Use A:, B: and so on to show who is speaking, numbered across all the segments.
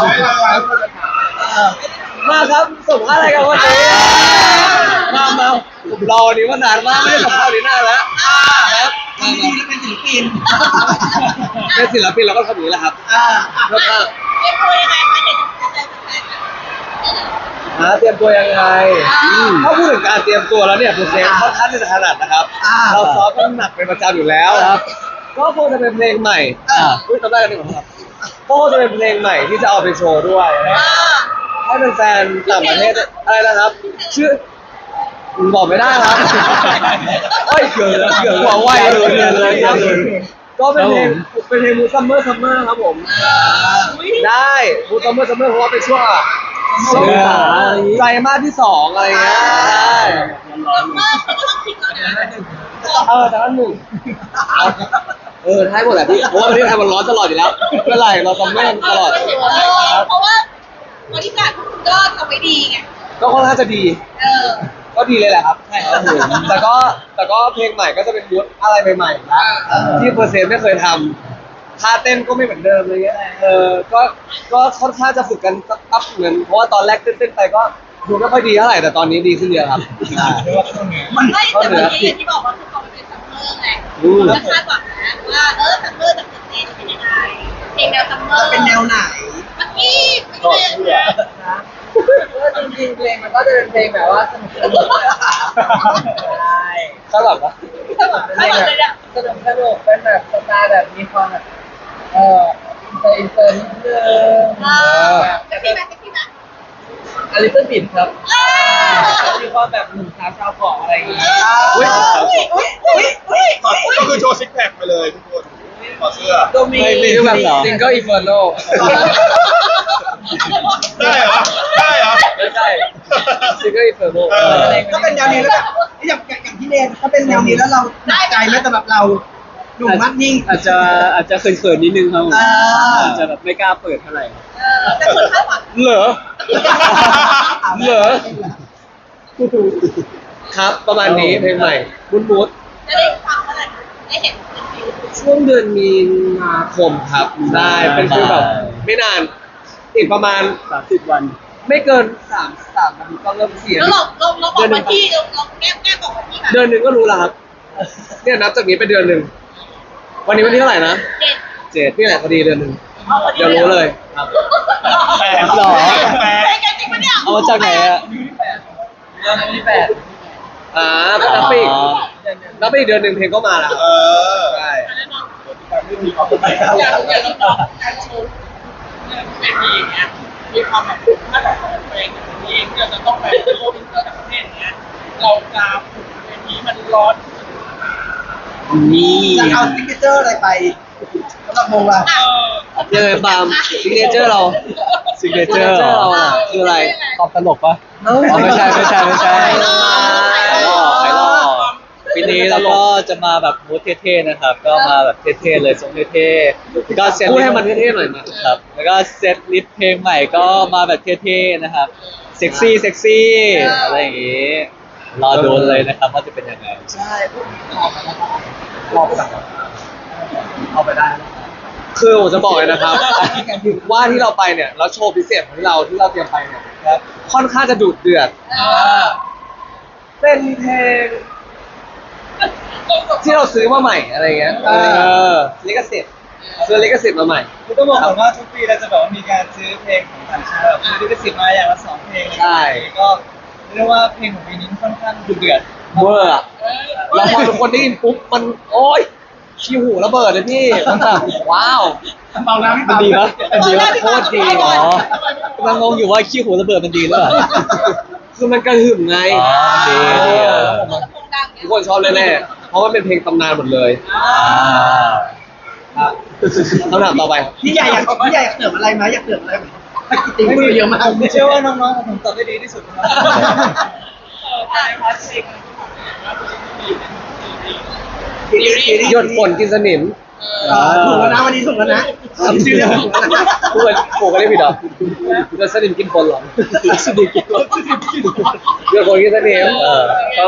A: มาครับส่งอะไรกันวันนี้มาผมรอวันนี้มานานมากไม่ได้สัมภาษณ์นี้นานแล้วครับ
B: ทำดีแล้วเป็นศิลปิน
A: เป็นศิลปินเราก็ทำอย่างนี้แหละครับแล้วก็
C: เรียกตัวยังไงคะเด็กจะเจอแฟน
A: เตรียมตัวยังไงถ้าพูดถึงการเตรียมตัวแล้วเนี่ยโปรเซสค่อนข้างที่จะถนัดนะครับเราซ้อมกันหนักเป็นประจำอยู่แล้วก็คงจะเป็นเพลงใหม่จำได้กันหนึ่งครับก็คงจะเป็นเพลงใหม่ที่จะเอาไปโชว์ด้วยให้เป็นแฟนต่างประเทศอะไรนะครับชื่อบอกไม่ได้ครับโอ้ยเกิดหัวไวเลยครับก็เป็นเพลงมูซัมเมอร์ครับผมได้มูซัมเมอร์เพราะว่าเป็นช่วงไตรมาสที่2อะไรเงี้ยใช่
C: เมื่อก็ต้องคิดก่อนนะ
A: แต่ว่าหนึ่งท้ายหมดแหละพี่เพราะว่าประเทศไทยมันร้อนตลอดอยู่แล้วเมื่อไหร่เราซัมเมอร์ตลอด
C: เพราะว่าบริการคุณก็ทำไม่ดีไง
A: ก็ค่อนข้างจะดีก็ดีเลยแหละครับใช่ครับแต่ก็เพลงใหม่ก็จะเป็นมูดอะไรใหม่ๆนะที่เปอร์เซ็นต์ไม่เคยทำท่าเต้นก็ไม่เหมือนเดิมเลยเงี้ยก็ค่อนข้างจะฝึกกันสักพักเหมือนเพราะว่าตอนแรกเต้นไปก็ดูไม่ค่อยดีเท่าไหร่แต่ตอนนี้ดีขึ้นเยอะครับ
C: มันไม่แต่เมื่อกี้อย่างที่บอกว่าคือเขาเป็นซัมเมอร์ไงแล้วคาดหวังนะว่าซัมเมอร์จะเกิดเพลงเป็นยังไงเพลงแนวซัมเมอร์
B: เป็นแนวไหน
C: เมื่อกี้ไม่ได้
D: นะจริงๆเพลงมันก็จะเป็นเพลงแบบว่าสนุกใช่
A: คาดหวังปะ
D: เพลงแบบสนุกเป็นแบบสไตล์แบบมีความแบบอินเตอร์นิดนึง
C: จะพี่แม็กพี่แม็ก
D: อลิซบิดครับมีความแบบหนุ่มสาวชาวเกาะอะไรอย่างงี้
E: ก็คือโชว์ซิกแพคไปเลยทุกคนขอเสื้อ
D: ก็มี
A: แบบซิงเกิลอินเฟอร์โน
E: ได้เหรอ
A: ไม่ใช่ซิงเกิลอินเฟอร์โน
B: ก็เป็นแนวนี้แล้วอย่างที่เนนก็เป็นแนวนี้แล้วเราหนักใจไหมสำหรับเราหนุ่มมัดนิ่ง
D: อาจจะเขินๆนิดนึงครับอาจจะแบบไม่กล้าเปิดเท่าไหร่
C: แต่คนคาดหวัง
A: เหรอครับประมาณนี้เพลงใหม่บู๊ด
C: จะได้ฟังเมื่อไหร่ได้เห็น
A: ช่วงเดือนมีนาคมครับได้เป็นคือแบบไม่นานอีกประมาณ
D: 30 วัน
A: ไม่เกิน3นาทีก็เริ่มเสีย
C: แล้วเราบอกวันที่เราแก้บอกวันที่
A: เดือนหนึ่งก็รู้แล้วครับเนี่ยนับจากนี้ไปเดือนหนึ่งวันนี้วันที่เท่าไหร่นะ7นี่แหละพอดีเดือนหนึ่งเดี๋ยวรู้เลยครับ
D: หรอ
C: เอา
D: มาจากไหนอะ
A: เดือนที่8ก็นับไปอีกเดือนหนึ่งเพลงก็มาแล้วใช่
C: การโชว์เป็นมีอย่างเงี้ยมีความแบบถ้าแบบเพลงนี้เราจะต้องไปโชว์อินเตอร์ต่างประเทศเงี้ยเราจะฝึกเพลงนี้มันร้อน
B: จะเอาซิกเนเจอร์อะไรไปสำหรับวงเรา
A: ยังไงปาล์มซิกเนเจอร์เราคืออะไร
D: ตอบตลกปะไม่ใช่ปีนี้เราก็จะมาแบบมูดเท่ๆนะครับก็มาแบบเท่ๆเลยทรงเท่ๆก็เซต
A: พูดให้มันเท่ๆหน่อยมา
D: ครับแล้วก็เซตลิสต์เพลงใหม่ก็มาแบบเท่ๆนะครับเซ็กซี่อะไรอย่างงี้รอดูเลยนะครับว่าจะเป็นยังไง
B: ใช่
A: รอไปสั่งเอาไปได้คือผมจะบอกเลยนะครับว่าที่เราไปเนี่ยแล้วโชว์พิเศษของเราที่เราเตรียมไปเนี่ยค่อนข้างจะดุเดือดเป็นเพลงที่เราซื้อมาใหม่อะไรเงี้ยลิขสิทธิ์ซื้อลิขสิทธิ์มาใหม่
D: คือต้องบอกก่อนว่าทุกปีเราจะแบบว่ามีการซื้อเพลงของต่างชาติแบบซื้อลิขสิทธิ์มาอย่างละ2 เพลง
A: ใช่
D: ก็เรียกว่าเพลงของปีนี้ค่อนข้างดุเดือด
A: เวอร์แล้วพอทุกคนได้ยินปุ๊บมันโอ๊ยขี้หูระเบิดเลยพี่มันแบบว้าว
B: เบาแล้ว
D: มันดีปะโคตรดีกำลังงงอยู่ว่าขี้หูระเบิดมันดีหรือเปล่า
A: คือมันกระหึ่มไง
D: ดี
A: ทุกคนชอบแน่ๆเพราะว่าเป็นเพลงตำนานหมดเลยคำถามต่อไป
B: พี่ใหญ่อยากเติมอะไรไหมอยากเติมอะไรไหมติ๊งมือเยอะมาก
D: ผมเชื่อว่าน้องๆผมตอบได้ดีที่สุดครับ
A: หยดฝนกินสนิม
B: ถูกแล้วนะวันนี้ถูกแล้วนะชื่อเรื่องถูกแล้วนะ
A: กูก็ได้ผิดหรอจะสนิมกินฝนหรอสนิมกินฝนหยดฝนกินสนิมเขา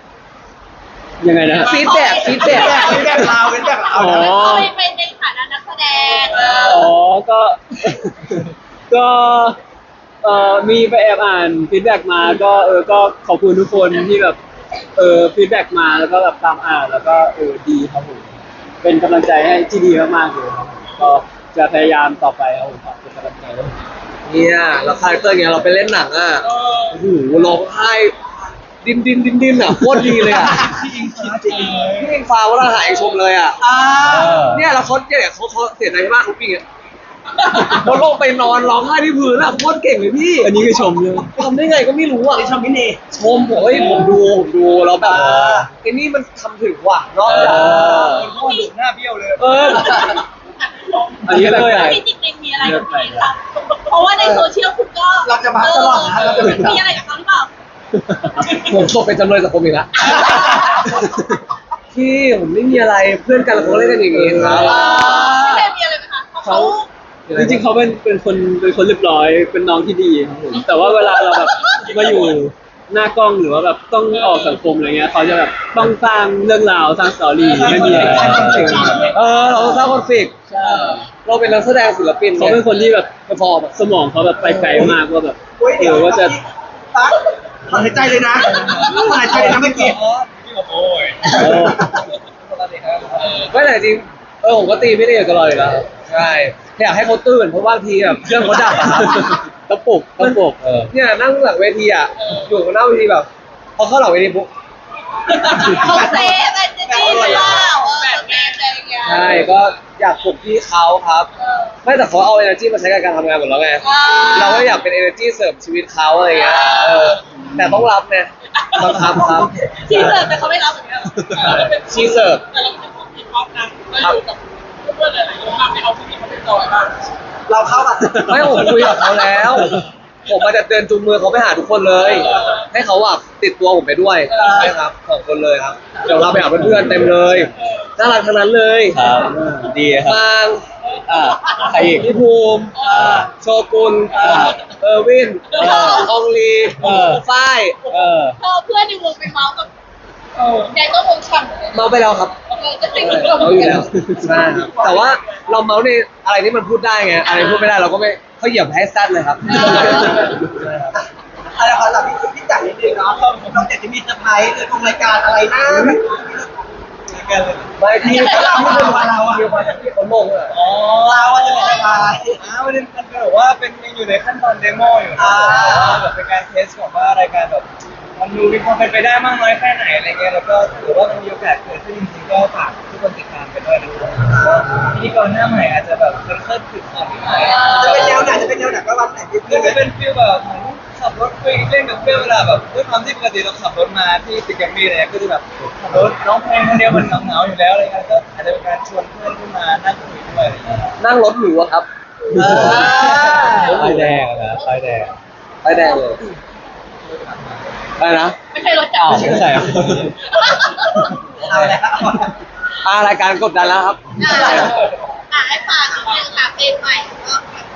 A: ยังไงนะฟีดแบ็ก
B: เราเป็นแบบ
C: ไปในฐานะนักแส
F: ดง
G: อ๋อก็ ก็มีไปแอบอ่านฟีดแบ็กมาก็ก็ขอบคุณทุกคนที่แบบฟีดแบ็กมาแล้วก็แบบตามอ่านแล้วก็ดีครับผมเป็นกำลังใจให้ที่ดีมากๆเลยครับก็จะพยายามต่อไปครับผมเป็นกำลังใจให้
A: เนี่ยแล้วคาแรคเตอร์เงี้ยเราไปเล่นหนังอ่ะโอ้โหร้องไห้ดิ้นอ่ะโคตรดีเลยอ่ะพี่อิงฟ้าวราหายชมเลยอ่ะเนี่ยแล้วเขาเนี่ยเขาเสียใจมากเขาปิ้งอ่ะเขาลงไปนอนร้องไห้ที่พื้นอ่ะโคตรเก่งเลยพี่
G: อันนี้คือชมเลย
A: ทำได้ไงก็ไม่รู้อ่ะ
B: ชมพี่เน
A: ชมผมเฮ้ยผมดูแล้วแบบไอ้นี่มันทำถึงว่ะเนาะ
E: พ่อหนุ่มหน้าเบี้ยวเลย
G: อันนี้เลย
F: พี่จริงๆมีอะไรกับพี่คะเพราะว่าในโซเชียลคุณก็
B: เราจะบัฟตลอดนะเราจะเป็น
F: มีอะไรกับเขาหรือเปล่า
A: ผมตกเป็นจำเลยสังคมอีกแล้วพี่ผมไม่มีอะไรเพื่อนกันเราก็เล่นกันอย่างงี้ครับ
F: พี่เจมีอะไรไหมคะเพราะเขา
G: จริงๆเขาเป็นคนเรียบร้อยเป็นน้องที่ดีครับผมแต่ว่าเวลาเราแบบมาอยู่หน้ากล้องหรือว่าแบบต้องออกสังคมอะไรเงี้ยเขาจะแบบต้องสร้างเรื่องราวสร้างสตอรี่ไม่มีอะไร
A: เราต้องสร้างคอนฟ lict เราเป็นนักแสดงศิลปิน
G: เขาเป็นคนที่แบบพอแบบสมองเขาแบบไปไกลมากว่าแบบ
B: เดี๋ยว
G: ว่าจะ
B: ตั๊กถอนหายใจเลยนะถอนหายใจเลยนะเมื่อกี้
E: พี่บอกโอ้ย
A: ไม่แต่จริงผมก็ตีไม่ได้อยู่ตลอดอยู่แล้วใช่อยากให้เขาตื่นเพราะบางทีแบบเครื่องเขาดับอะครับ
G: ต้องปลุก
A: เนี่ยนั่งหลังเวทีอ่ะอยู่หน้าเวทีแบบพอเข้าหลังเวทีปุ๊บ
F: เขาเซฟไอ้เจนี่หรือเปล่าแบบแม่อะไรอย่างเงี้ย
A: ใช่ก็อยากปลุกพี่เขาครับไม่แต่เขาเอา energy มาใช้กับการทำงานหมดแล้วไงเราก็อยากเป็น energy เสริมชีวิตเขาอะไรเงี้ยแต่ต้องรับไงบังคับครับ
F: ชีเสิร์ฟแต่เขาไม่รับอย่างเงี้ย
A: ชีเสิร์ฟ
C: แต่เราเป็นคนที่พร้อมนะเราอยู่กับเพื่อนหลายๆคนมากไม่เอาที่นี่เขาเป็นจอยบ้าง
B: เราเข้าอ่ะ
A: ไม่ผมคุยกับเขาแล้ว ผมมาจะเดินจูงมือเขาไปหาทุกคนเลย ให้เขาอ่ะติดตัวผมไปด้วยใช่ครับ2 คนเลยครับเดี๋ยวเราไปหาเพื่อนๆเต็มเลยน่ารักทั้งนั้นเลย
D: ครับดีครับ
A: ฟาง
D: ใครอีก
A: พี่ภูมิโชกุนเออร์วินอองลีฝ้าย
F: พอเพื่อนในวงไปเมาส์กับแกก็วงฉ่ำเลย
A: เมาไปแล้วครับ
F: ก็จริง
A: เมาอยู่แล้วใช่ครับแต่ว่าเราเมาในอะไรที่มันพูดได้ไงอะไรพูดไม่ได้เราก็ไม่เขาเหยียบให้ซัดเลยครับ
B: อะไรขอถามพี่จักรนิดนึงเนาะเราจะมีเซอร์ไพรส์หรือของรายการอะไรนะ
A: ไม่พี่
B: เราไม่รู้ว่าเราอ่ะ
A: พี่เขาลงอ่ะ
B: เราว่าจะเป็นอะไร
E: มันเป็นแบบว่าเป็นยังอยู่ในขั้นตอนเดโมอยู่แบบเป็นการเทสของว่ารายการแบบมันดูมีความเป็นไปได้มากน้อยแค่ไหนอะไรเงี้ยแล้วก็ถือว่ามันมีโอกาสเกิดขึ้นจริงๆก็ฝากทุกคนติดตามไปด้วยนะครับพิธีกรหน้าใหม่อาจจะแบบเพิ่มขึ้นของที่ใหม่
B: จะเป็นแนวไหนจะเป็นแนวไหนก็รับไหนพี่
E: คือจะเป็นฟีลแบบเหมือนขับรถคุยเล่นกับเพื่อนเวลาแบบด้วยความที่ปกติเราขับรถมาที่ตึกแกรมมี่เนี่ยก็จะแบบขับรถร้องเพลงคนเดียวมันเหงาๆอยู่แล้วอะไรเงี้ยก็อาจจะเป็นการชวนเพื่อนขึ้นมานั่งคุยด้วยอะไรเงี้ย
A: นั่งรถหรูอะครับ
D: ไฟแดงนะไฟแดง
A: ไปแดงเลยอะไรนะ
F: ไม่ใช่รถจัก
D: อ้าว
F: ร
D: ไม่ใช่เหรอ
B: เอาแล้ว
A: รายการกดดันแล้วครับ
F: ให้ฝากนิดนึงค่ะเพลงใหม่ก็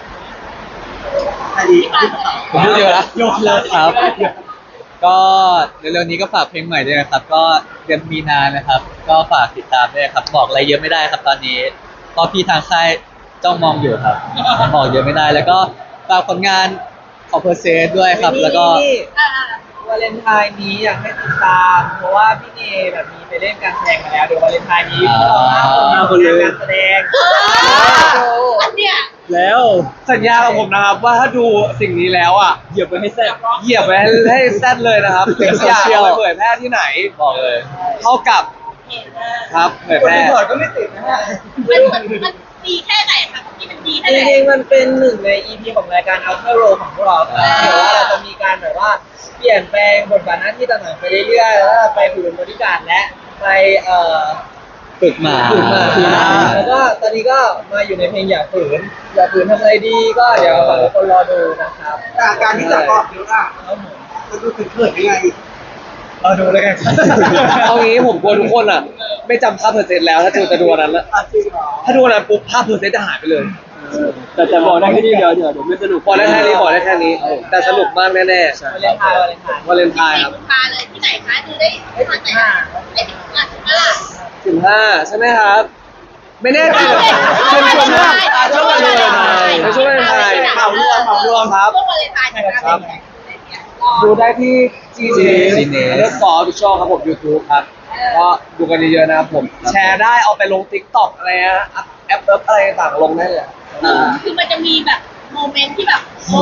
B: อันนี้
F: ฝากเลย
D: ผมพูดเยอะแล้วยกเลิกครับ ก็เร็วๆนี้ก็ฝากเพลงใหม่ด้วยนะครับ ก็เดือนมีนานะครับ ก็ฝากติดตามด้วยครับ บอกอะไรเยอะไม่ได้ครับตอนนี้เพราะพี่ทางค่ายจ้องมองอยู่ครับ บอกเยอะไม่ได้ แล้วก็ฝากผลงานของเพอร์เซสด้วยครับ แล้วก็
C: วาเลนไทน์นี้อยากให้ติดตาม เพราะว่าพี่เนแบบมีไปเล่นการแสดงมาแล้วเดี๋ยววาเลนไทน์นี้พวกเรา5 คนมีการแสดง
F: อันเนี้ย
G: แล้ว
A: สัญญากับผมนะครับว่าถ้าดูสิ่งนี้แล้วอ่ะ
G: เหยียบไปให้แซ่บ
A: เหยียบไปให้แซดเลยนะครับ
G: เดี๋ยว
A: อยาก
G: โซเชียล
A: เอาไปเผยแพร่ที่ไหน
D: บอกเลย
A: เท่ากับครับเผย
E: คน
A: แพร่
E: ที่ถอดก็ไม่ติดนะฮะ
F: มันดีแค่ไหนคะที่มันดีแค่
C: จ
F: ไหน
C: ริงๆมันเป็นหนึ่งใน EP ของรายการ Outer Row ของพวกเราครับเดี๋ยวว่าเราจะมีการแบบว่าเปลี่ยนแปลงบทบาทหน้าที่ต่างๆไปเรื่อยๆแล้วก็ไปฝึกบริการและไป
D: ฝึกหมา
C: แล้วก็ตอนนี้ก็มาอยู่ในเพลงอย่าฝืนทำอะไรดีก็เดี๋ยวฝากทุกคนรอดูนะครับ
B: การที่จะออกเยอะอ่ะมันดูเขินๆยังไง
E: เราดูเลยกัน
A: เอางี้ผมกลัวทุกคนอ่ะ ไม่จำภาพเพอร์เซ็นต์แล้วถ้าจะดูอันนั้นละ
B: จริงเหรอ
A: ถ้าดูอันนั้นปุ๊บภาพเพอร์เซ็นต์จะหายไปเลย
G: แต่บอกได้แค่นี้เดี๋ยวไม่สนุก
A: บอกได้แค่นี้บอกได้แค่นี้ แต่สนุกมากแน่
C: วาเลนไทน์
A: ๆวาเลนไทน์ครับ
F: กุมภาเลยที่ไหนคะดูได้ทางไหนได้15
A: 15ใช่ไหมครับไม่แน่ใจเลยช่วงวันเลยในช่วงวันไทย
B: เหมารวมครับ
F: ช่วงวันเลยทายนะครับ
A: ดูได้ที่ Gene_Underscore Official ครับผม YouTube ครับ ก็ดูกันเยอะๆนะครับผม แชร์ได้เอาไปลง TikTok อะไรนะแอปอะไรต่างๆลงได้เลย
F: คือมันจะมีแบบโมเมนต์ที่แบบโอ้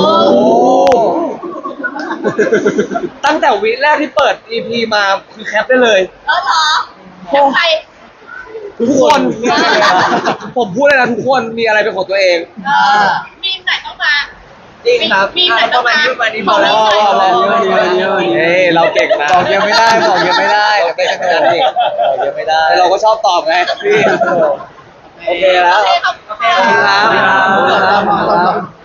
A: ตั้งแต่วิแรกที่เปิด EP มาคือแคปได้เลย
F: เออเหรอแล้วใคร
A: ทุกคน ผมพูดเลยนะทุกคนมีอะไรเป็นของตัวเอง
F: มีมไหนต้องมา
B: จริงครับ
F: มีไหนต้องมา
B: ประมาณนี้พอแล้ว
A: เฮ้ยเราเก่งนะ
D: บอกยังไม่ได้บอกยังไม่ได้เดี๋ยวไปสนุกอีกบอกยังไม่ได้
A: เราก็ชอบตอบไงพี่โอเคแล้ว
F: โอเคขอบคุณ
A: ขอบคุณครับ
B: ขอบคุณครับ